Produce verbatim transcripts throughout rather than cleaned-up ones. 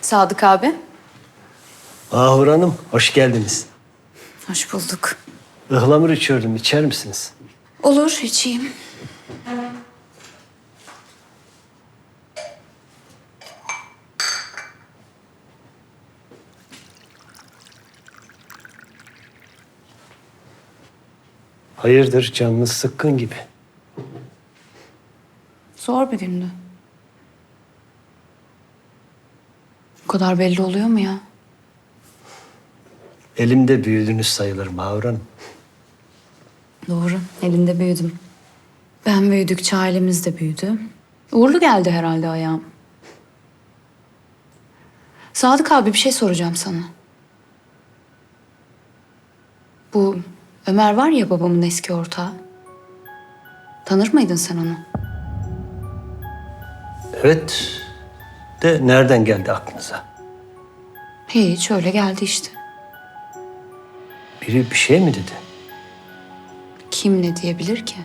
Sadık abi. Mahur Hanım, hoş geldiniz. Hoş bulduk. Ihlamur içiyordum, içer misiniz? Olur, içeyim. Hayırdır, canınız sıkkın gibi. Zor bir gündü. Bu kadar belli oluyor mu ya? Elimde büyüdünüz sayılır Mahur Hanım. Doğru, elinde büyüdüm. Ben büyüdükçe ailemiz de büyüdü. Uğurlu geldi herhalde ayağım. Sadık abi bir şey soracağım sana. Bu Ömer var ya babamın eski ortağı. Tanır mıydın sen onu? Evet, de nereden geldi aklınıza? Hiç öyle geldi işte. Biri bir şey mi dedi? Kim ne diyebilir ki?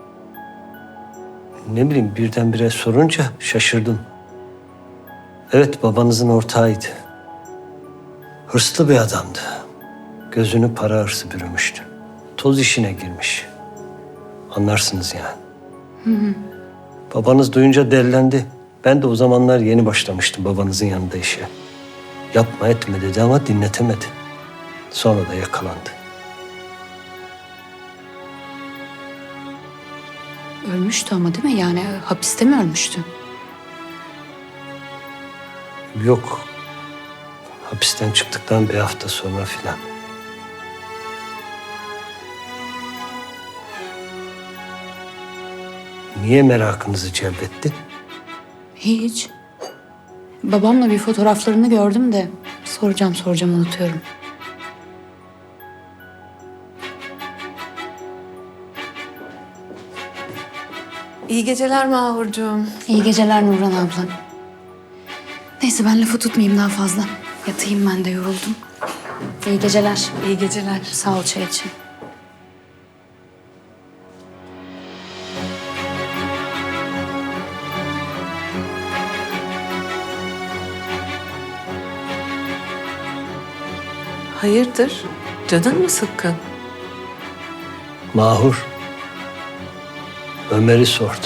Ne bileyim, birdenbire sorunca şaşırdım. Evet, babanızın ortağıydı. Hırslı bir adamdı. Gözünü para hırsı bürümüştü. Toz işine girmiş. Anlarsınız yani. Hı hı. Babanız duyunca delilendi. Ben de o zamanlar yeni başlamıştım babanızın yanında işe. Yapma etme dedi ama dinletemedi. Sonra da yakalandı. Ölmüştü ama değil mi? Yani hapiste mi ölmüştü? Yok. Hapisten çıktıktan bir hafta sonra filan. Niye merakınızı celbetti? Hiç. Babamla bir fotoğraflarını gördüm de soracağım soracağım unutuyorum. İyi geceler Mahurcuğum. İyi geceler Nurhan abla. Neyse ben lafı tutmayayım daha fazla. Yatayım ben de yoruldum. İyi geceler. İyi geceler. Sağ ol çay için. Hayırdır? Canın mı sıkkın? Mahur. Ömer'i sordu.